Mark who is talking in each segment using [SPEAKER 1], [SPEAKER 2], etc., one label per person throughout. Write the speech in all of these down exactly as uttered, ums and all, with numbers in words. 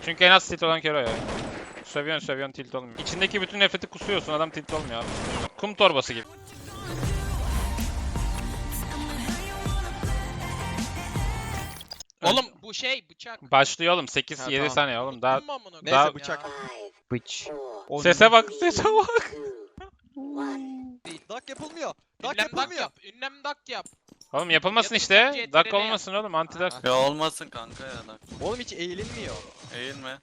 [SPEAKER 1] Çünkü en az tilt olan kere o ya. Sövüyorsun sövüyorsun tilt olmuyor. İçindeki bütün nefreti kusuyorsun adam tilt olmuyor abi. Kum torbası gibi.
[SPEAKER 2] Oğlum bu şey bıçak.
[SPEAKER 1] Başlıyor oğlum sekiz
[SPEAKER 3] Ha,
[SPEAKER 1] yedi
[SPEAKER 3] tamam.
[SPEAKER 1] saniye oğlum daha.
[SPEAKER 2] Dokunma amına
[SPEAKER 3] Neyse
[SPEAKER 2] koyayım
[SPEAKER 3] bıçak.
[SPEAKER 2] ya.
[SPEAKER 3] Bıç.
[SPEAKER 1] Sese bak sese bak.
[SPEAKER 3] Dak yapılmıyor. Dak
[SPEAKER 2] Ünlem dak
[SPEAKER 3] yapılmıyor.
[SPEAKER 2] yap. Ünlem dak yap.
[SPEAKER 1] Oğlum yapılmasın
[SPEAKER 2] Ya da
[SPEAKER 1] işte.
[SPEAKER 2] C T R L
[SPEAKER 1] Dak
[SPEAKER 2] yap.
[SPEAKER 1] olmasın oğlum anti dak.
[SPEAKER 3] Aha.
[SPEAKER 4] Ya olmasın kanka ya da.
[SPEAKER 3] Oğlum hiç eğilinmiyor.
[SPEAKER 4] Eğilme.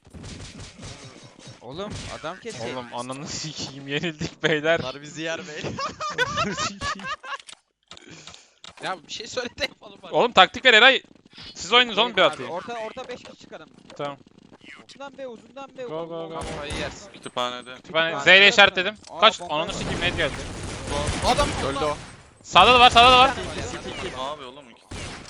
[SPEAKER 5] Oğlum adam kesiyor.
[SPEAKER 1] Oğlum ananı sikeyim yenildik beyler.
[SPEAKER 3] Bunlar bizi yer bey.
[SPEAKER 2] Ya bir şey söyle de yapalım bari.
[SPEAKER 1] Oğlum taktik ver Eray. Siz oynayın oğlum bir
[SPEAKER 5] Abi,
[SPEAKER 1] atayım.
[SPEAKER 5] Orta orta beş kişi çıkarım.
[SPEAKER 1] Tamam.
[SPEAKER 5] Uzundan be uzundan be.
[SPEAKER 1] Go, go, go.
[SPEAKER 2] Kafayı yersin.
[SPEAKER 4] Kütüphanede.
[SPEAKER 1] Ben Z ile işaretledim.
[SPEAKER 5] Aa,
[SPEAKER 1] Kaç?
[SPEAKER 5] bomba
[SPEAKER 1] Ananı
[SPEAKER 5] var.
[SPEAKER 1] sikeyim net geldi.
[SPEAKER 2] Adam
[SPEAKER 3] Öldü o.
[SPEAKER 1] Sağda da var sağda da var.
[SPEAKER 4] Abi oğlum iki.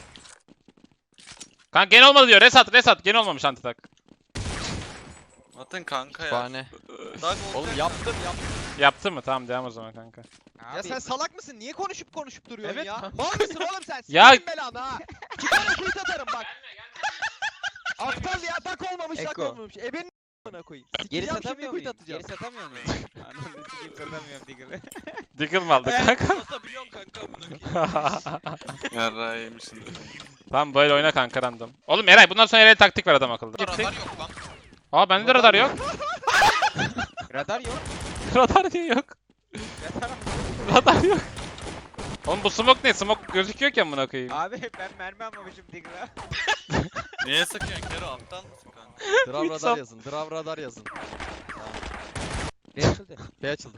[SPEAKER 1] Kanka gene olmadı diyor. Resat resat. Gene olmamış anti tak.
[SPEAKER 4] Atın kanka ya.
[SPEAKER 3] Kütüphane.
[SPEAKER 4] Dak
[SPEAKER 3] Oğlum yaptım yaptım.
[SPEAKER 1] Yaptı mı? Tamam devam o zaman kanka.
[SPEAKER 3] Ya sen salak mısın? Niye konuşup konuşup duruyorsun
[SPEAKER 2] Evet.
[SPEAKER 3] ya? Mal mısın oğlum sen?
[SPEAKER 1] Ya-
[SPEAKER 3] Sikerim belanı ha. İki tane kuyut atarım bak. Aptal ya dak olmamış dak
[SPEAKER 5] Eko.
[SPEAKER 3] olmamış. Ebenin a**ına koyayım.
[SPEAKER 5] Geri
[SPEAKER 3] Sikeceğim şimdi
[SPEAKER 5] satamıyor
[SPEAKER 3] kuyut
[SPEAKER 5] muyum?
[SPEAKER 3] atacağım.
[SPEAKER 5] Geri satamıyor muyum? Ananı sikeyim satamıyorum Diggle'ı.
[SPEAKER 1] Diggle mı aldı kanka?
[SPEAKER 2] Satabiliyorsun kanka amına koyayım.
[SPEAKER 4] Yarrağı yemişsin.
[SPEAKER 1] Tamam böyle oyna kanka random. Oğlum Eray bundan sonra Eray'a taktik ver adam akıllı.
[SPEAKER 2] Radar
[SPEAKER 1] Gittik.
[SPEAKER 2] yok lan.
[SPEAKER 1] Aa bende de radar yok.
[SPEAKER 5] Radar yok.
[SPEAKER 1] Radar niye yok?
[SPEAKER 5] Radar mı?
[SPEAKER 1] Radar yok. Oğlum bu smoke ne? Smoke gözüküyor ki amına koyayım.
[SPEAKER 5] Abi ben mermi almamışım Diggle'a.
[SPEAKER 4] Niye sıkıyorsun Kero? Aptal mısın kanka?
[SPEAKER 3] Drav radar yazın. Drav radar yazın.
[SPEAKER 5] Ne açıldı?
[SPEAKER 3] B açıldı.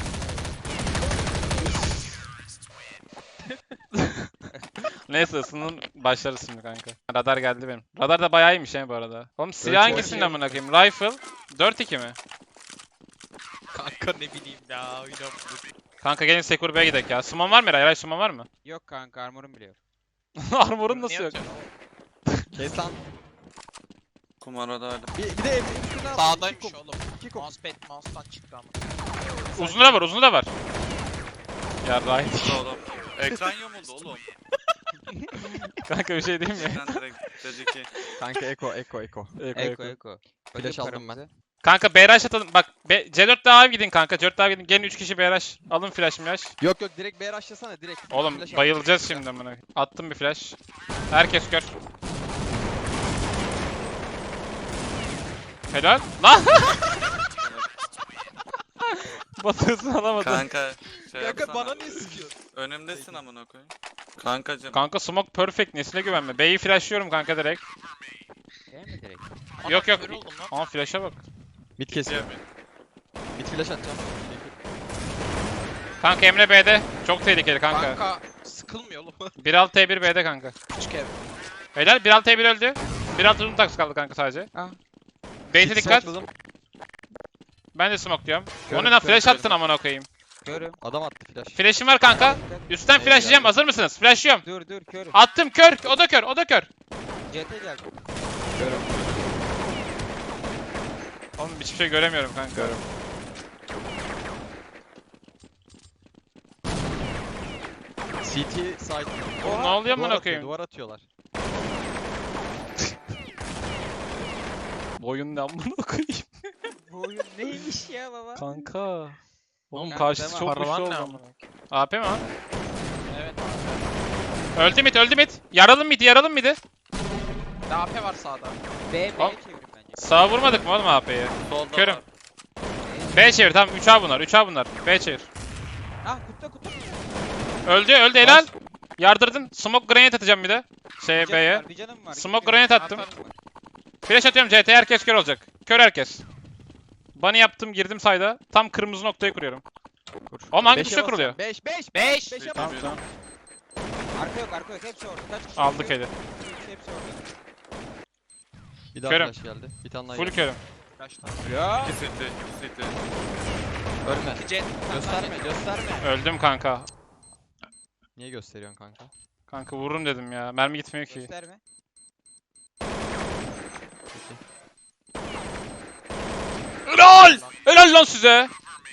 [SPEAKER 1] Neyse ısının başlarız şimdi kanka. Radar geldi benim. Radar da bayağı iyiymiş he bu arada. Oğlum silah
[SPEAKER 3] Evet,
[SPEAKER 1] hangisinin amına koyayım? Rifle dört iki mi?
[SPEAKER 2] Kanka ne bileyim ya oynamadım.
[SPEAKER 1] Kanka gelin Sekur B'ye gidelim ya. Suman var mı Eray? Eray suman var mı?
[SPEAKER 5] Yok kanka armorum bile yok.
[SPEAKER 1] Armor'un nasıl
[SPEAKER 2] Niye
[SPEAKER 1] yok?
[SPEAKER 2] atıyorsun?
[SPEAKER 3] Kes lan.
[SPEAKER 4] Kumarada hala.
[SPEAKER 3] Bir, bir de evin üstüne al.
[SPEAKER 2] Sağdaymış
[SPEAKER 3] İki kum.
[SPEAKER 2] oğlum.
[SPEAKER 3] İki kum.
[SPEAKER 2] Mousepad mouse'dan çıktı ama.
[SPEAKER 1] Uzunu da var, uzunu da var. Ya Ray.
[SPEAKER 4] Burada oğlum. Ekran yamuldu oğlum.
[SPEAKER 1] Kanka bir şey diyeyim mi?
[SPEAKER 4] Ekran direkt dedi ki.
[SPEAKER 3] Kanka eko eko eko.
[SPEAKER 1] Eko,
[SPEAKER 5] Eko
[SPEAKER 1] eko.
[SPEAKER 5] eko.
[SPEAKER 3] Flash aldım ben.
[SPEAKER 1] Kanka B R H atalım. Bak B C dört daha gidin kanka. C dört daha gidin. Gelin üç kişi B R H. Alın flash flash.
[SPEAKER 3] Yok yok direkt B rushlasana direkt.
[SPEAKER 1] Oğlum
[SPEAKER 3] Flash
[SPEAKER 1] bayılacağız şimdi amına. Attım bir flash. Herkes kör. Helal. Lan! Batıyorsun alamadı.
[SPEAKER 4] Kanka şey
[SPEAKER 3] Kanka
[SPEAKER 4] yapsana.
[SPEAKER 3] bana niye sıkıyorsun?
[SPEAKER 4] Önümdesin amına koyayım. Kankacım.
[SPEAKER 1] Kanka smoke perfect. Nesine güvenme. B'yi flashlıyorum kanka direkt.
[SPEAKER 5] Değil mi direkt?
[SPEAKER 2] Ana,
[SPEAKER 1] Yok, yok.
[SPEAKER 2] kör oldum lan.
[SPEAKER 1] Ama flash'a bak.
[SPEAKER 3] Mid kesiyor.
[SPEAKER 4] Diye mi?
[SPEAKER 3] Mid flash atacağım.
[SPEAKER 1] Kanka Emre B'de. Çok tehlikeli kanka.
[SPEAKER 2] Kanka sıkılmıyor oğlum.
[SPEAKER 1] bir altı T bir B'de kanka.
[SPEAKER 2] Küçük ev.
[SPEAKER 1] Helal bir altı T bir öldü. bir altı uzun taksi kaldı kanka sadece.
[SPEAKER 5] Ah.
[SPEAKER 1] Bait'e
[SPEAKER 3] Mid
[SPEAKER 1] dikkat.
[SPEAKER 3] smoke'ladım.
[SPEAKER 1] Ben de smoke diyorum.
[SPEAKER 3] Körüm,
[SPEAKER 1] Onu ne
[SPEAKER 3] körüm,
[SPEAKER 1] flash
[SPEAKER 3] körüm.
[SPEAKER 1] attın amına koyayım.
[SPEAKER 5] Körüm.
[SPEAKER 3] Adam attı flash.
[SPEAKER 1] Flash'im var kanka. Üstten
[SPEAKER 3] Neyse,
[SPEAKER 1] flashlayacağım.
[SPEAKER 3] geldi.
[SPEAKER 1] Hazır mısınız? Flashlıyorum.
[SPEAKER 5] Dur dur körüm.
[SPEAKER 1] Attım kör. O da kör. O da kör.
[SPEAKER 5] C T geldi.
[SPEAKER 3] Görüyorum.
[SPEAKER 1] Oğlum hiçbir şey göremiyorum kanka.
[SPEAKER 3] Görüyorum. C T side.
[SPEAKER 1] Oğlum ne oluyor
[SPEAKER 3] Duvar
[SPEAKER 1] amına
[SPEAKER 3] atıyor,
[SPEAKER 1] koyayım?
[SPEAKER 3] Duvar atıyorlar.
[SPEAKER 1] Boyun ne amına koyayım?
[SPEAKER 5] Bu oyun neymiş ya baba?
[SPEAKER 1] Kanka. Oğlum
[SPEAKER 5] Kanka,
[SPEAKER 1] karşısı
[SPEAKER 5] deme.
[SPEAKER 1] çok
[SPEAKER 2] Paravan
[SPEAKER 1] güçlü oldu
[SPEAKER 2] ne
[SPEAKER 1] amına.
[SPEAKER 2] amına?
[SPEAKER 1] A P mi o?
[SPEAKER 2] Evet.
[SPEAKER 1] Öldü mid öldü mid. Yaralım mid yaralım midi.
[SPEAKER 2] A P var sağda.
[SPEAKER 5] B B'ye
[SPEAKER 1] Al.
[SPEAKER 5] çevirin bence.
[SPEAKER 1] Sağa vurmadık mı oğlum A P'yi?
[SPEAKER 4] Solda
[SPEAKER 1] Körüm.
[SPEAKER 4] var.
[SPEAKER 1] B çevir tamam üç A bunlar üç A bunlar. B çevir.
[SPEAKER 5] Ah kutta kutta.
[SPEAKER 1] Öldü öldü helal. Yardırdın. Smoke grenade atacağım bir de. Şeye
[SPEAKER 5] Bir canım
[SPEAKER 1] B'ye.
[SPEAKER 5] var, Bir canım var.
[SPEAKER 1] Smoke
[SPEAKER 5] Gitmiyor.
[SPEAKER 1] grenade attım.
[SPEAKER 2] Atarım.
[SPEAKER 1] Flash atıyorum C T'ye herkes kör olacak. Kör herkes. Bunny yaptım girdim sayda. Tam kırmızı noktayı kuruyorum. Oğlum hangi tuşa kuruluyor?
[SPEAKER 3] beş beş
[SPEAKER 2] Beş.
[SPEAKER 3] beşe
[SPEAKER 1] Tamam
[SPEAKER 3] bas.
[SPEAKER 1] tamam.
[SPEAKER 5] Arka yok arka yok hepsi orada. Kaç kişi?
[SPEAKER 1] Aldık
[SPEAKER 5] yok?
[SPEAKER 1] eli.
[SPEAKER 5] Hepsi hepsi orada.
[SPEAKER 3] Bir daha
[SPEAKER 1] Körüm.
[SPEAKER 3] flash geldi. Bir tane daha
[SPEAKER 1] Full
[SPEAKER 3] geldi.
[SPEAKER 1] körüm.
[SPEAKER 5] Ya.
[SPEAKER 4] İki city. iki city.
[SPEAKER 3] Ölme.
[SPEAKER 2] İki jet.
[SPEAKER 3] Gösterme gösterme.
[SPEAKER 1] Öldüm kanka.
[SPEAKER 3] Niye gösteriyorsun kanka?
[SPEAKER 1] Kanka vururum dedim ya. Mermi gitmiyor ki.
[SPEAKER 5] Gösterme.
[SPEAKER 1] Helal! Helal lan size.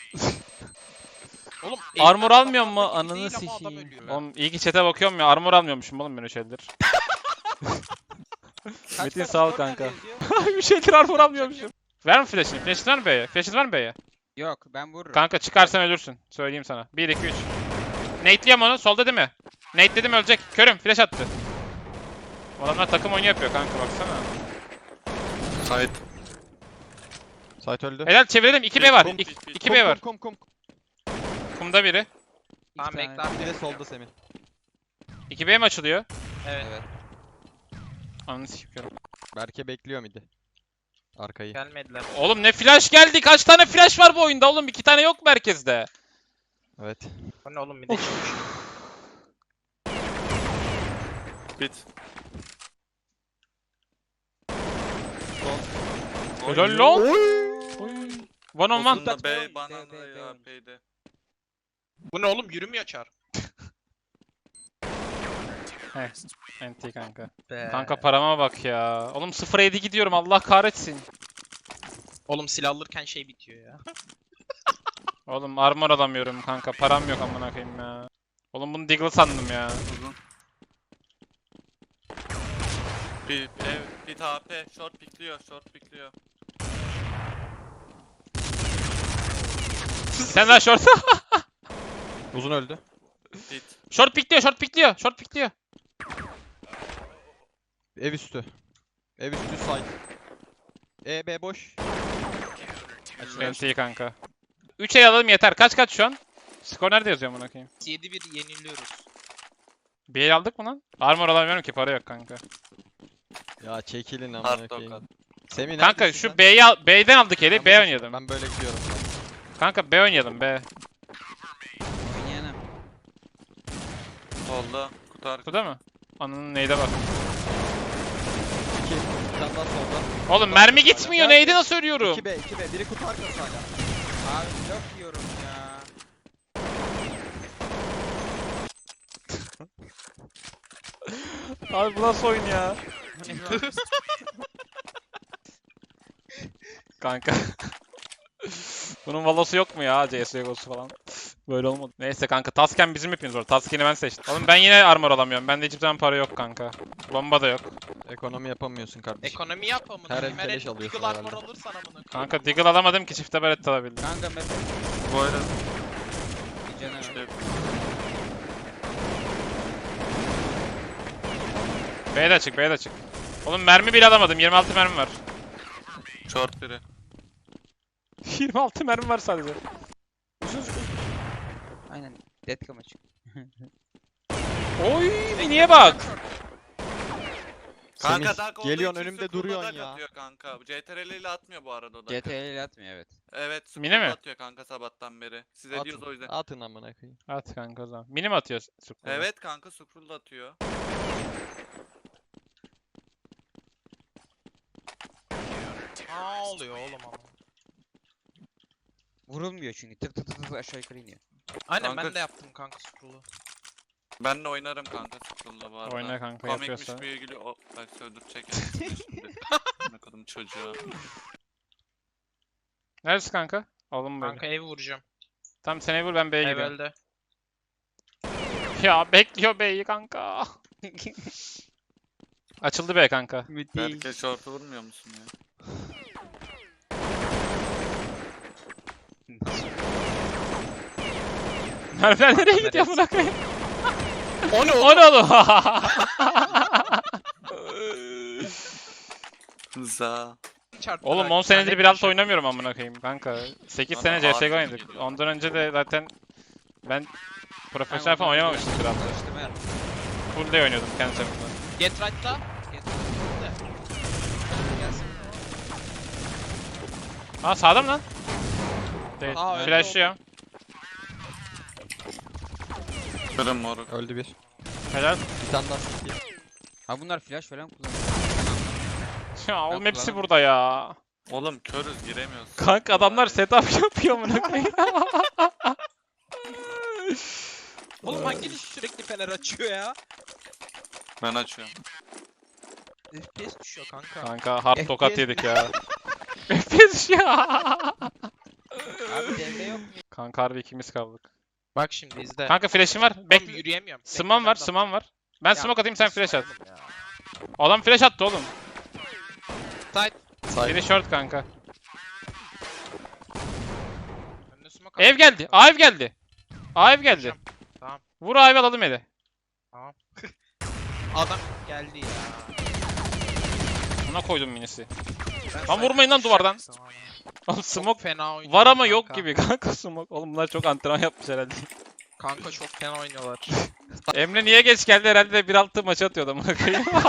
[SPEAKER 2] Oğlum
[SPEAKER 1] Armor
[SPEAKER 2] elinden
[SPEAKER 1] almıyor mu?
[SPEAKER 2] patlamak
[SPEAKER 1] Ananı
[SPEAKER 2] değil ama adam
[SPEAKER 1] sikeyim.
[SPEAKER 2] ölüyor.
[SPEAKER 1] Oğlum iyi ki chat'e bakıyorum ya. Armor almıyormuşum oğlum ben o şeyler.
[SPEAKER 5] Kaç
[SPEAKER 1] Metin
[SPEAKER 5] var?
[SPEAKER 1] sağ ol
[SPEAKER 5] Skor nerede
[SPEAKER 1] kanka.
[SPEAKER 5] yazıyor?
[SPEAKER 1] Bir şeydir armor almıyormuşum. Ver mi flash'ini? Flash'in var mı B'ye? Flash'in var mı B'ye?
[SPEAKER 5] Yok ben vururum.
[SPEAKER 1] Kanka çıkarsan ölürsün. Söyleyeyim sana. bir iki üç. Nate'liyem onu. Solda değil mi? Nate dedim ölecek. Körüm. Flash attı. Adamlar takım oyunu yapıyor kanka baksana.
[SPEAKER 4] Sait.
[SPEAKER 3] Site öldü.
[SPEAKER 1] Helal çevirelim. iki B var.
[SPEAKER 4] Kum,
[SPEAKER 1] iki B var.
[SPEAKER 3] Kum kum kum.
[SPEAKER 1] Kumda biri.
[SPEAKER 2] Tamam
[SPEAKER 5] tane.
[SPEAKER 2] bekle abi.
[SPEAKER 3] Bir de solda Semih.
[SPEAKER 1] iki B mi açılıyor?
[SPEAKER 2] Evet.
[SPEAKER 5] Evet.
[SPEAKER 1] Ananı sikiyorum.
[SPEAKER 3] Berke bekliyor midi. Arkayı.
[SPEAKER 2] Gelmediler.
[SPEAKER 1] Oğlum ne flash geldi? Kaç tane flash var bu oyunda oğlum? iki tane yok merkezde.
[SPEAKER 3] Evet.
[SPEAKER 2] Bu ne oğlum bir de çıkmış.
[SPEAKER 4] Bit.
[SPEAKER 1] Helal lan. One on one.
[SPEAKER 4] Uzunda B,
[SPEAKER 5] B,
[SPEAKER 4] banana
[SPEAKER 5] B, B.
[SPEAKER 4] ya B'de.
[SPEAKER 2] Bu ne oğlum yürümüyor çar.
[SPEAKER 1] Enti kanka.
[SPEAKER 2] Be.
[SPEAKER 1] Kanka parama bak ya. Oğlum sıfır yedi gidiyorum Allah kahretsin.
[SPEAKER 2] Oğlum silah alırken şey bitiyor ya.
[SPEAKER 1] Oğlum armor alamıyorum kanka. Param yok amına koyayım ya. Oğlum bunu Deagle sandım ya.
[SPEAKER 4] Uzun. Bir ev, bir A P, short pikliyor, short pikliyor.
[SPEAKER 1] Sen daha short.
[SPEAKER 3] Uzun öldü.
[SPEAKER 4] Bit.
[SPEAKER 1] Short pikliyor, short pikliyor, short pikliyor.
[SPEAKER 3] Ev üstü. Ev üstü site. E B boş.
[SPEAKER 1] Enti kanka. üç el alalım yeter. Kaç kaç şu an? Skor nerede yazıyor amına koyayım?
[SPEAKER 2] yedi bir yeniliyoruz.
[SPEAKER 1] Bir el aldık mı lan? Armor alamıyorum ki para yok kanka.
[SPEAKER 3] Ya çekilin amına
[SPEAKER 4] Hard
[SPEAKER 3] koyayım.
[SPEAKER 4] dog.
[SPEAKER 3] Semih
[SPEAKER 1] Kanka
[SPEAKER 3] neredesin
[SPEAKER 1] şu
[SPEAKER 3] sen?
[SPEAKER 1] B'yi al B'den aldık eli.
[SPEAKER 3] Ben
[SPEAKER 1] B
[SPEAKER 3] böyle-
[SPEAKER 1] oynayalım.
[SPEAKER 3] Ben böyle gidiyorum.
[SPEAKER 1] Kanka B oynayalım B.
[SPEAKER 5] Oynayalım.
[SPEAKER 4] Solda, kutu arkası.
[SPEAKER 1] Kutuda mı? Ananın neyde bak.
[SPEAKER 3] İki. Bir tane daha solda.
[SPEAKER 1] Oğlum mermi gitmiyor. Neydi nasıl ölüyorum?
[SPEAKER 3] iki B iki B. Biri kutu arkası hala.
[SPEAKER 5] Abi blok yiyorum ya.
[SPEAKER 1] Abi bu nasıl oyun ya?
[SPEAKER 5] Bu ne lan?
[SPEAKER 1] Kanka. Bunun valosu yok mu ya C S G O'su falan? Böyle olmadı. Neyse kanka Tasken bizim hepimiz var. Tasken'i ben seçtim. Oğlum ben yine armor alamıyorum. Bende hiçbir zaman para yok kanka. Bomba da yok.
[SPEAKER 3] Ekonomi yapamıyorsun kardeşim.
[SPEAKER 2] Ekonomi yap amına.
[SPEAKER 3] Her el
[SPEAKER 2] koyayım. Her
[SPEAKER 3] keleş
[SPEAKER 2] el
[SPEAKER 3] alıyorsun
[SPEAKER 2] Deagle armor
[SPEAKER 3] herhalde.
[SPEAKER 2] alırsan amına. koyayım.
[SPEAKER 1] Kanka Deagle alamadım ki çifte beret alabildim.
[SPEAKER 5] Kanka ben
[SPEAKER 4] Bu arada
[SPEAKER 5] bir canavar.
[SPEAKER 4] işte
[SPEAKER 1] B'ye de açık, B'ye de açık. Oğlum mermi bile alamadım. yirmi altı mermi var.
[SPEAKER 4] short biri.
[SPEAKER 1] yirmi altı mermi var sadece.
[SPEAKER 5] Aynen. Deadcam açık.
[SPEAKER 1] Oy miniye bak.
[SPEAKER 4] Kanka
[SPEAKER 3] Semih,
[SPEAKER 4] Dark olduğu
[SPEAKER 3] geliyorsun
[SPEAKER 4] için
[SPEAKER 3] önümde
[SPEAKER 4] Sukul'da
[SPEAKER 3] duruyorsun
[SPEAKER 4] Dark
[SPEAKER 3] ya.
[SPEAKER 4] atıyor kanka. C T R L ile atmıyor bu arada o da.
[SPEAKER 5] C T L ile atmıyor evet.
[SPEAKER 4] Evet,
[SPEAKER 1] Mine
[SPEAKER 4] Sukul'da
[SPEAKER 1] mi?
[SPEAKER 4] atıyor kanka sabahtan beri. Siz ediyoruz o
[SPEAKER 3] Atın,
[SPEAKER 4] yüzden.
[SPEAKER 3] atın amına koyayım.
[SPEAKER 1] At kanka o zaman. Mini mi atıyor? Sukul?
[SPEAKER 4] Evet kanka Sukul'da atıyor.
[SPEAKER 2] Ne oluyor oğlum ama.
[SPEAKER 5] Vurulmuyor çünkü. Tık tık tık tık aşağı yukarı iniyor.
[SPEAKER 2] Aynen
[SPEAKER 4] Kanka-
[SPEAKER 2] ben de yaptım kanka scroll'u.
[SPEAKER 4] Ben de oynarım kanka Sukul'da bu arada.
[SPEAKER 1] Oyna kanka
[SPEAKER 4] Komikmiş
[SPEAKER 1] yapıyorsa.
[SPEAKER 4] bir ilgili o bak öldürecek şimdi. Ne kadın çocuğa.
[SPEAKER 1] Neresi kanka? Alın böyle.
[SPEAKER 2] Kanka evi vuracağım.
[SPEAKER 1] Tamam sen ev vur ben B'ye
[SPEAKER 2] Ev
[SPEAKER 1] gidiyorum.
[SPEAKER 2] öldü.
[SPEAKER 1] Ya bekliyor B'yi kanka. Açıldı B kanka.
[SPEAKER 4] Belki short'u vurmuyor musun ya?
[SPEAKER 1] Merve nereye
[SPEAKER 2] Neresi?
[SPEAKER 1] gidiyor buna koyayım?
[SPEAKER 2] O ne
[SPEAKER 1] O ne oğlum?
[SPEAKER 4] Za.
[SPEAKER 2] Çarptı
[SPEAKER 1] Oğlum
[SPEAKER 2] bak,
[SPEAKER 1] on senedir
[SPEAKER 2] lanet
[SPEAKER 1] bir alt
[SPEAKER 2] bir şey.
[SPEAKER 1] oynamıyorum amına koyayım kanka. sekiz
[SPEAKER 4] Bana
[SPEAKER 1] sene C S G O
[SPEAKER 4] ağır
[SPEAKER 1] oynadık.
[SPEAKER 4] geliyor.
[SPEAKER 1] Ondan önce de zaten ben profesyonel
[SPEAKER 5] Kanka,
[SPEAKER 1] falan
[SPEAKER 5] ondan
[SPEAKER 1] oynamamıştım bir altta.
[SPEAKER 5] Çalıştırma yap.
[SPEAKER 1] Full day oynuyordum kendi çapımda.
[SPEAKER 2] Get right'ta.
[SPEAKER 5] Get- Gelsin.
[SPEAKER 1] Aa sağda mı lan? Değil.
[SPEAKER 2] Aa, öldü
[SPEAKER 1] Flash'lıyor.
[SPEAKER 4] Kırım moruk.
[SPEAKER 3] Öldü bir.
[SPEAKER 1] Helal.
[SPEAKER 3] Bir tane daha city.
[SPEAKER 5] Ha bunlar flash falan kullanıyor.
[SPEAKER 1] Ya oğlum
[SPEAKER 5] Ben
[SPEAKER 1] hepsi
[SPEAKER 5] kullanamam.
[SPEAKER 1] burada ya.
[SPEAKER 4] Oğlum körüz giremiyoruz.
[SPEAKER 1] Kanka adamlar setup yapıyor amına koyayım.
[SPEAKER 2] Oğlum hanginiz sürekli fener açıyor ya?
[SPEAKER 4] Ben açıyorum.
[SPEAKER 2] F P S düşüyor kanka.
[SPEAKER 1] Kanka hard
[SPEAKER 5] F P
[SPEAKER 1] tokat
[SPEAKER 5] S
[SPEAKER 1] yedik ya. F P S ya.
[SPEAKER 5] Abi devre yok mu?
[SPEAKER 1] Kanka harbi ikimiz kaldık.
[SPEAKER 2] Bak şimdi izle.
[SPEAKER 1] Kanka flash'im var.
[SPEAKER 2] Oğlum
[SPEAKER 1] Bekle.
[SPEAKER 2] yürüyemiyorum.
[SPEAKER 1] Smam var,
[SPEAKER 2] Bekle,
[SPEAKER 1] smam var. Ben
[SPEAKER 2] Ya,
[SPEAKER 1] smoke atayım sen
[SPEAKER 2] nasıl
[SPEAKER 1] flash at.
[SPEAKER 2] oğlum ya?
[SPEAKER 1] Adam flash attı oğlum.
[SPEAKER 2] Side.
[SPEAKER 1] Biri short kanka.
[SPEAKER 2] Önüne smoke
[SPEAKER 1] Ev
[SPEAKER 2] at.
[SPEAKER 1] geldi. A ev geldi. A ev geldi.
[SPEAKER 2] Tamam.
[SPEAKER 1] Vur A evi alalım eli.
[SPEAKER 2] Adam geldi ya.
[SPEAKER 1] Buna koydum minisi.
[SPEAKER 2] Ben
[SPEAKER 1] Lan
[SPEAKER 2] side
[SPEAKER 1] vurmayın lan duvardan.
[SPEAKER 2] koşacaksın ama.
[SPEAKER 1] Oğlum
[SPEAKER 2] Çok
[SPEAKER 1] smoke
[SPEAKER 2] fena oynuyorlar
[SPEAKER 1] var ama yok
[SPEAKER 2] kanka.
[SPEAKER 1] gibi kanka smoke. Oğlum bunlar çok antrenman yapmış herhalde.
[SPEAKER 2] Kanka çok fena oynuyorlar.
[SPEAKER 1] Emre niye geç geldi herhalde de bir altı maç atıyordu amına koyayım.
[SPEAKER 2] Çok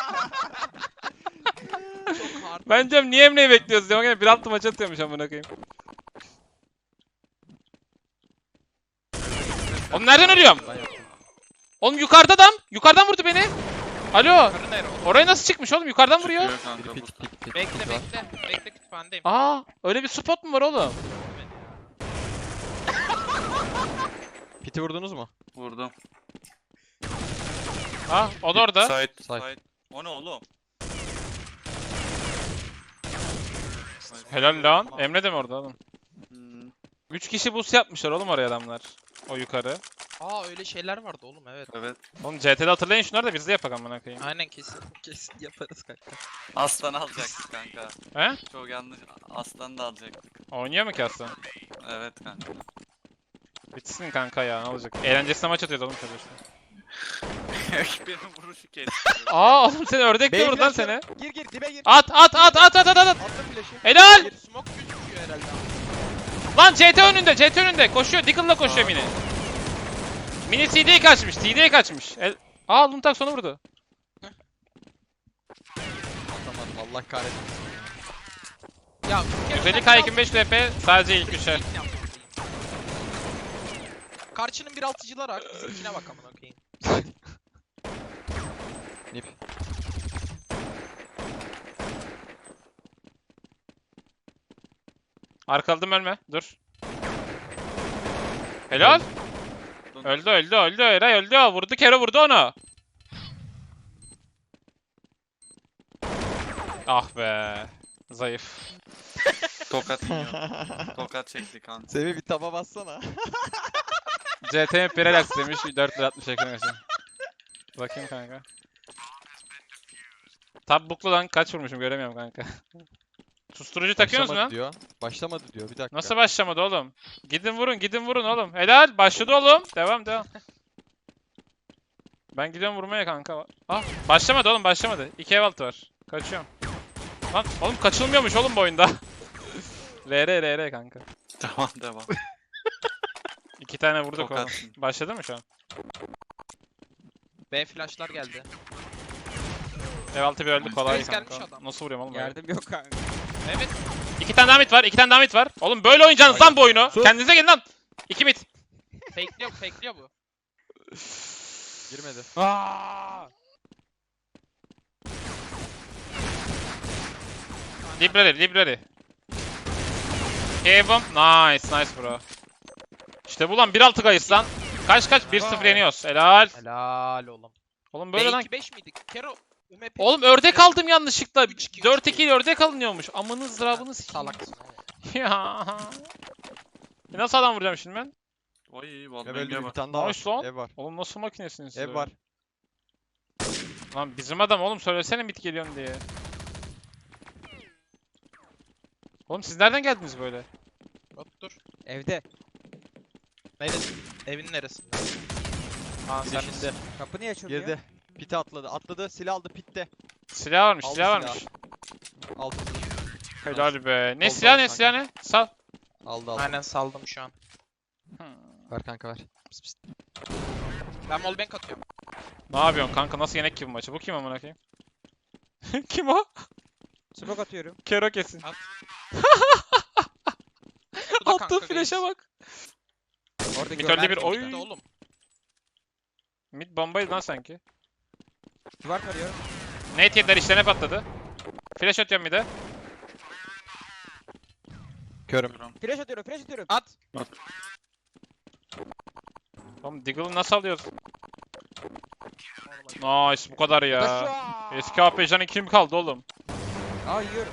[SPEAKER 2] hard.
[SPEAKER 1] Ben diyorum niye Emre'yi bekliyoruz diyorum. Gene bir altı maç atıyormuş amına koyayım. Oğlum nereden ölüyorum? Oğlum yukarıda adam. Yukarıdan vurdu beni. Alo.
[SPEAKER 2] Karı nere oğlum?
[SPEAKER 1] Oraya nasıl çıkmış oğlum? Yukarıdan vuruyor.
[SPEAKER 4] Çıkıyor kanka
[SPEAKER 5] Biri
[SPEAKER 4] burada.
[SPEAKER 5] pit pit pit.
[SPEAKER 2] Bekle
[SPEAKER 5] pit var.
[SPEAKER 2] bekle. Bekle kütüphanedeyim.
[SPEAKER 1] Aa, öyle bir spot mu var oğlum?
[SPEAKER 3] Piti vurdunuz mu?
[SPEAKER 4] Vurdum.
[SPEAKER 1] Ha, o da orada.
[SPEAKER 4] Side.
[SPEAKER 5] Side.
[SPEAKER 4] Side. O ne oğlum?
[SPEAKER 1] Helal lan. Emre de mi orada oğlum?
[SPEAKER 4] Hmm,
[SPEAKER 1] üç kişi boost yapmışlar oğlum oraya adamlar. O yukarı.
[SPEAKER 2] Aa öyle şeyler vardı oğlum evet.
[SPEAKER 4] evet.
[SPEAKER 1] Oğlum C T'de hatırlayın şunları da biz de yapak amına koyayım.
[SPEAKER 2] Aynen kesin. Kesin yaparız kanka.
[SPEAKER 4] Aslan alacaktık kanka.
[SPEAKER 1] He?
[SPEAKER 4] Çok yanlış. Aslan da alacaktık.
[SPEAKER 1] Oynuyor mu ki aslan?
[SPEAKER 4] Evet kanka.
[SPEAKER 1] Bitsin kanka ya ne olacak? Eğlencesine maç atıyordu oğlum tabii işte.
[SPEAKER 4] Benim vuruşu kesti.
[SPEAKER 1] Aa oğlum seni ördek de
[SPEAKER 3] Bey
[SPEAKER 1] vurdu lan
[SPEAKER 3] flash
[SPEAKER 1] seni.
[SPEAKER 3] yok. Gir gir dibe gir.
[SPEAKER 1] At at at at at at at.
[SPEAKER 3] Attım flash'ı.
[SPEAKER 1] Helal!
[SPEAKER 2] Bir smoke gözüküyor herhalde.
[SPEAKER 1] Lan C T önünde, C T önünde. Koşuyor, Diggle'la koşuyor mini. Mini C D'ye kaçmış, C D'ye kaçmış. El... Aa Luntak sonu vurdu.
[SPEAKER 3] Atamadım Allah kahretsin.
[SPEAKER 2] Ya
[SPEAKER 1] yüz elli K yirmi beş L P sadece ilk üçe.
[SPEAKER 2] Karşının bir altıcılar hak. Bizimkine bak amına koyayım.
[SPEAKER 3] Nip.
[SPEAKER 1] Arkaladım ölme, dur. Helal. Öldü öldü öldü Eray öldü. Vurdu Kero vurdu onu. Ah be. Zayıf.
[SPEAKER 4] Tokat yiyor. Tokat çekti kanka.
[SPEAKER 3] Semih bir taba bassana.
[SPEAKER 1] C T M Relax demiş dört yüz altmış ekran açın. Bakayım kanka. Tab booklu lan kaç vurmuşum göremiyorum kanka. Susturucu takıyorsunuz mu
[SPEAKER 3] Başlamadı
[SPEAKER 1] lan?
[SPEAKER 3] diyor. Başlamadı diyor. Bir dakika.
[SPEAKER 1] Nasıl başlamadı oğlum? Gidin vurun gidin vurun oğlum. Helal başladı oğlum. Devam devam. Ben gidiyorum vurmaya kanka. Ah başlamadı oğlum başlamadı. İki ev altı var. Kaçıyorum. Lan oğlum kaçılmıyormuş oğlum bu oyunda. R R R R kanka.
[SPEAKER 4] Tamam devam.
[SPEAKER 1] İki tane vurduk oğlum.
[SPEAKER 4] Tokat.
[SPEAKER 1] Başladı mı şu an?
[SPEAKER 2] B flashlar geldi.
[SPEAKER 1] Ev altı bir öldü kolay
[SPEAKER 2] Reis gelmiş
[SPEAKER 1] kanka.
[SPEAKER 2] adam.
[SPEAKER 1] Nasıl vuruyorum oğlum? öyle?
[SPEAKER 5] Yardım yok kanka.
[SPEAKER 2] Evet.
[SPEAKER 1] İki tane daha mid var. iki tane daha mid var. Oğlum böyle oynayacaksınız lan bu oyunu.
[SPEAKER 3] Sus.
[SPEAKER 1] Kendinize gelin lan. İki mid.
[SPEAKER 2] Fakeliyor fakeliyor bu.
[SPEAKER 3] Girmedi.
[SPEAKER 1] Aa! Library, library. Kevum. Nice, nice bro. İşte bu lan bir altı kayıs lan. Kaç kaç? bir sıfır yeniyoruz. Helal.
[SPEAKER 2] Helal oğlum.
[SPEAKER 1] Oğlum böyle lan.
[SPEAKER 2] B iki beş miydik? Kero. U M P.
[SPEAKER 1] Oğlum ördek aldım yanlışlıkla.
[SPEAKER 2] üç iki, üç
[SPEAKER 1] dört
[SPEAKER 2] iki.
[SPEAKER 1] iki ile ördek alınıyormuş. Amınız zırabınız sikeyim.
[SPEAKER 2] Salaksın oğlum.
[SPEAKER 1] Ya. E nasıl adam vuracağım şimdi ben?
[SPEAKER 4] Oy
[SPEAKER 3] Ev
[SPEAKER 4] vallahi
[SPEAKER 3] öldü
[SPEAKER 4] ne
[SPEAKER 3] bir
[SPEAKER 4] var.
[SPEAKER 3] tane daha var.
[SPEAKER 1] Nice lan.
[SPEAKER 3] Ev var.
[SPEAKER 1] Oğlum nasıl makinesiniz siz
[SPEAKER 3] Ev
[SPEAKER 1] öyle?
[SPEAKER 3] var.
[SPEAKER 1] Lan bizim adam oğlum söylesene mid geliyorum diye. Oğlum siz nereden geldiniz böyle?
[SPEAKER 2] Hop dur.
[SPEAKER 5] Evde.
[SPEAKER 2] Neresi? Evin neresinde?
[SPEAKER 1] Aa
[SPEAKER 3] Bir
[SPEAKER 1] sen
[SPEAKER 3] de şimdi.
[SPEAKER 5] Kapı niye açılmıyor?
[SPEAKER 3] Girdi. Pite atladı. Atladı. Silah aldı pitte.
[SPEAKER 1] silah varmış,
[SPEAKER 3] Aldı
[SPEAKER 1] silah
[SPEAKER 3] silah.
[SPEAKER 1] varmış.
[SPEAKER 3] Aldı.
[SPEAKER 1] Helal be. Ne
[SPEAKER 3] Oldu,
[SPEAKER 1] silah
[SPEAKER 3] oldu
[SPEAKER 1] ne
[SPEAKER 3] kanka.
[SPEAKER 1] silah ne? Sal.
[SPEAKER 3] Aldı aldı.
[SPEAKER 2] Aynen saldım şu an.
[SPEAKER 3] Ver kanka ver. Pıs pıs.
[SPEAKER 2] Ben wallbang atıyorum.
[SPEAKER 1] Ne yapıyorsun kanka? Nasıl yenek gibi maçı? Bu kim amına koyayım? Kim o?
[SPEAKER 5] Smoke atıyorum.
[SPEAKER 1] Kero kesin.
[SPEAKER 2] Bu da
[SPEAKER 1] Attığı
[SPEAKER 2] kanka
[SPEAKER 1] flash'a
[SPEAKER 2] reis.
[SPEAKER 1] bak.
[SPEAKER 5] Orada
[SPEAKER 1] Mid
[SPEAKER 5] gör.
[SPEAKER 1] öldü bir
[SPEAKER 2] Ben
[SPEAKER 1] oy.
[SPEAKER 2] midde oğlum.
[SPEAKER 1] Mid bombaydı lan sanki.
[SPEAKER 5] Duvar tarıyor.
[SPEAKER 1] Nate yediler işlerine patladı. Flash atıyorum bir de.
[SPEAKER 3] Körüm.
[SPEAKER 5] Flash atıyorum, flash atıyorum.
[SPEAKER 2] At.
[SPEAKER 1] Oğlum Diggle'ı nasıl alıyoruz? Nice bu kadar ya.
[SPEAKER 5] Taşa!
[SPEAKER 1] Eski A P J'den kim kaldı oğlum?
[SPEAKER 5] Aa yiyorum.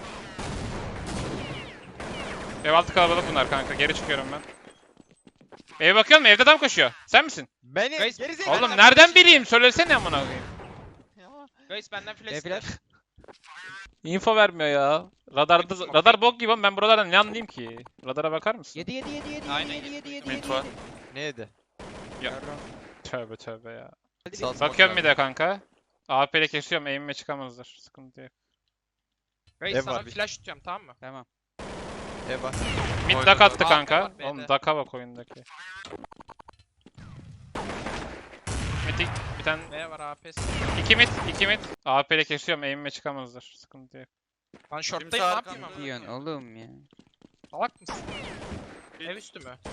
[SPEAKER 1] Ev altı kalabalık bunlar kanka. Geri çıkıyorum ben. Eve bakıyor musun? Evde adam koşuyor. Sen misin?
[SPEAKER 3] Beni
[SPEAKER 2] Guys,
[SPEAKER 3] geri zekalı.
[SPEAKER 1] Oğlum
[SPEAKER 2] ben
[SPEAKER 1] nereden
[SPEAKER 2] flash
[SPEAKER 1] bileyim? Söylesene amına koyayım.
[SPEAKER 2] Guys benden flash.
[SPEAKER 5] E flash.
[SPEAKER 1] Info vermiyor ya. Radarda
[SPEAKER 2] Smoke.
[SPEAKER 1] radar bok gibi ama ben buralardan ne anlayayım ki? Radara bakar mısın?
[SPEAKER 5] Yedi yedi yedi yedi
[SPEAKER 2] Aynen,
[SPEAKER 5] yedi yedi yedi
[SPEAKER 4] Mid
[SPEAKER 5] yedi
[SPEAKER 4] var.
[SPEAKER 5] yedi.
[SPEAKER 3] Ne yedi?
[SPEAKER 5] Yarram.
[SPEAKER 1] Tövbe tövbe ya.
[SPEAKER 5] Hadi
[SPEAKER 3] Sağ
[SPEAKER 5] bir-
[SPEAKER 3] smoke
[SPEAKER 1] Bakıyorum
[SPEAKER 3] var.
[SPEAKER 1] bir de kanka. A P ile kesiyorum, aim'ime çıkamazlar. Sıkıntı yok.
[SPEAKER 2] Reis
[SPEAKER 3] Ev
[SPEAKER 2] sana
[SPEAKER 3] var bir.
[SPEAKER 2] flash tutuyorum tamam mı?
[SPEAKER 5] Tamam.
[SPEAKER 3] Ev var.
[SPEAKER 1] Mid
[SPEAKER 4] Oynadı.
[SPEAKER 1] duck attı
[SPEAKER 2] A P
[SPEAKER 1] kanka.
[SPEAKER 2] var, B'de.
[SPEAKER 1] Oğlum duck'a bak oyundaki. Mid bir tane
[SPEAKER 2] B var A P'si.
[SPEAKER 1] iki mid, iki mid. A P ile kesiyorum, aim'ime çıkamazlar. Sıkıntı yok.
[SPEAKER 2] Lan short'tayım
[SPEAKER 4] Kimse
[SPEAKER 2] ne yapayım
[SPEAKER 4] arkamda.
[SPEAKER 2] ama?
[SPEAKER 5] Diyorsun oğlum ya.
[SPEAKER 2] Salak mısın?
[SPEAKER 4] Bir-
[SPEAKER 2] Ev üstü mü?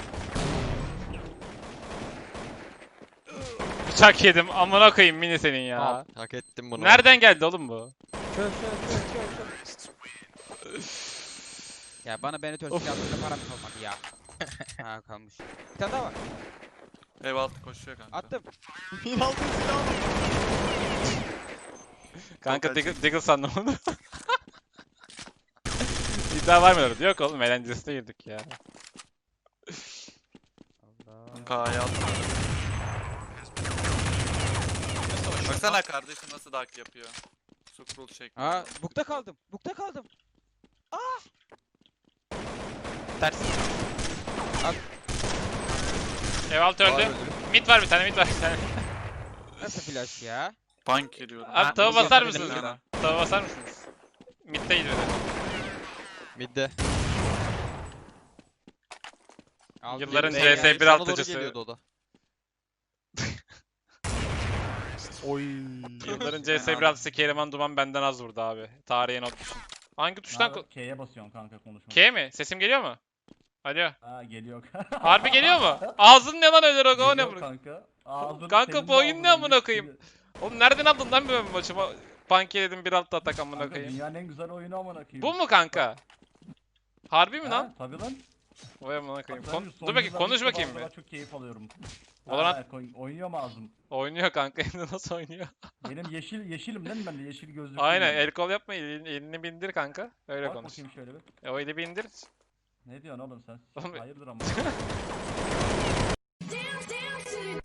[SPEAKER 1] Bıçak yedim. Amına koyayım mini senin ya.
[SPEAKER 3] Al, hak ettim bunu.
[SPEAKER 1] Nereden geldi oğlum bu?
[SPEAKER 5] Çöz çöz çöz çöz çöz. Ya bana beni törtüyle attığında param kalmadı ya. Ha kalmış. Bir tane daha var.
[SPEAKER 4] Ev altı koşuyor kanka.
[SPEAKER 5] Attım.
[SPEAKER 1] Kanka
[SPEAKER 4] Çok
[SPEAKER 1] Diggle, Diggle sandım onu. İddia var mı orada? Yok oğlum eğlencesine girdik ya. Allah.
[SPEAKER 4] K'ya attım.
[SPEAKER 2] Nasıl hoş?
[SPEAKER 4] Baksana kardeşim nasıl dark yapıyor. Scroll şeklinde.
[SPEAKER 5] Aa bukta kaldım. Bukta kaldım.
[SPEAKER 2] Ters.
[SPEAKER 1] Ev altı
[SPEAKER 3] Var
[SPEAKER 1] öldü.
[SPEAKER 3] öldü.
[SPEAKER 1] Mid var bir tane, mid var bir tane.
[SPEAKER 5] Nasıl flash ya?
[SPEAKER 4] Bank geliyorum.
[SPEAKER 1] Abi tava
[SPEAKER 2] bunu
[SPEAKER 1] basar
[SPEAKER 2] yapabilirim
[SPEAKER 1] mısınız
[SPEAKER 2] ya.
[SPEAKER 1] bana? Tava basar mısınız? Mid'deyiz böyle.
[SPEAKER 3] Midde.
[SPEAKER 5] Aldım.
[SPEAKER 1] Yılların
[SPEAKER 3] Ne
[SPEAKER 1] C S
[SPEAKER 3] yani?
[SPEAKER 1] bir
[SPEAKER 3] Sana doğru
[SPEAKER 1] altıcısı.
[SPEAKER 3] geliyordu o da.
[SPEAKER 4] Oy.
[SPEAKER 1] Yılların C S bir altıcısı Keriman Duman benden az vurdu abi. Tarihe not düşün. Hangi tuştan? ko-
[SPEAKER 6] K'ye basıyorsun kanka konuşma.
[SPEAKER 1] K mi? Sesim geliyor mu? Alo.
[SPEAKER 6] Ha geliyor.
[SPEAKER 1] Harbi geliyor mu? Ağzın ne lan öyle Rogo, o ne
[SPEAKER 6] Geliyor
[SPEAKER 1] bu?
[SPEAKER 6] kanka. Ağzını
[SPEAKER 1] Kanka
[SPEAKER 6] senin
[SPEAKER 1] bu
[SPEAKER 6] de
[SPEAKER 1] oyun ne
[SPEAKER 6] ağzına
[SPEAKER 1] amına
[SPEAKER 6] geçti.
[SPEAKER 1] koyayım? Oğlum nereden aldın lan böyle bir maçı? Pankeledim bir altta atak amına
[SPEAKER 6] Kanka
[SPEAKER 1] koyayım.
[SPEAKER 6] dünyanın en güzel oyunu amına koyayım.
[SPEAKER 1] Bu mu kanka? Harbi mi
[SPEAKER 6] Ha,
[SPEAKER 1] lan?
[SPEAKER 6] Tabii lan.
[SPEAKER 1] Vay amına koyayım.
[SPEAKER 6] Tabii,
[SPEAKER 1] Kon-
[SPEAKER 6] son
[SPEAKER 1] Dur bakayım,
[SPEAKER 6] yıllarda
[SPEAKER 1] konuş
[SPEAKER 6] ilk
[SPEAKER 1] bakayım
[SPEAKER 6] defa
[SPEAKER 1] bir.
[SPEAKER 6] o kadar çok keyif alıyorum.
[SPEAKER 1] Valorant-
[SPEAKER 6] Ha, koy- oynuyor mu ağzım?
[SPEAKER 1] Oynuyor kanka, hem de nasıl oynuyor?
[SPEAKER 6] Benim yeşil yeşilim değil mi ben de yeşil gözlüklüyüm.
[SPEAKER 1] Aynen,
[SPEAKER 6] ben.
[SPEAKER 1] el kol yapma, elini, elini bindir kanka. Öyle
[SPEAKER 6] Bak
[SPEAKER 1] konuş.
[SPEAKER 6] bakayım şöyle bir.
[SPEAKER 1] E, o eli bindir.
[SPEAKER 6] Ne diyorsun oğlum sen?
[SPEAKER 1] Oğlum-
[SPEAKER 6] Hayırdır ama.
[SPEAKER 7] Down, down to the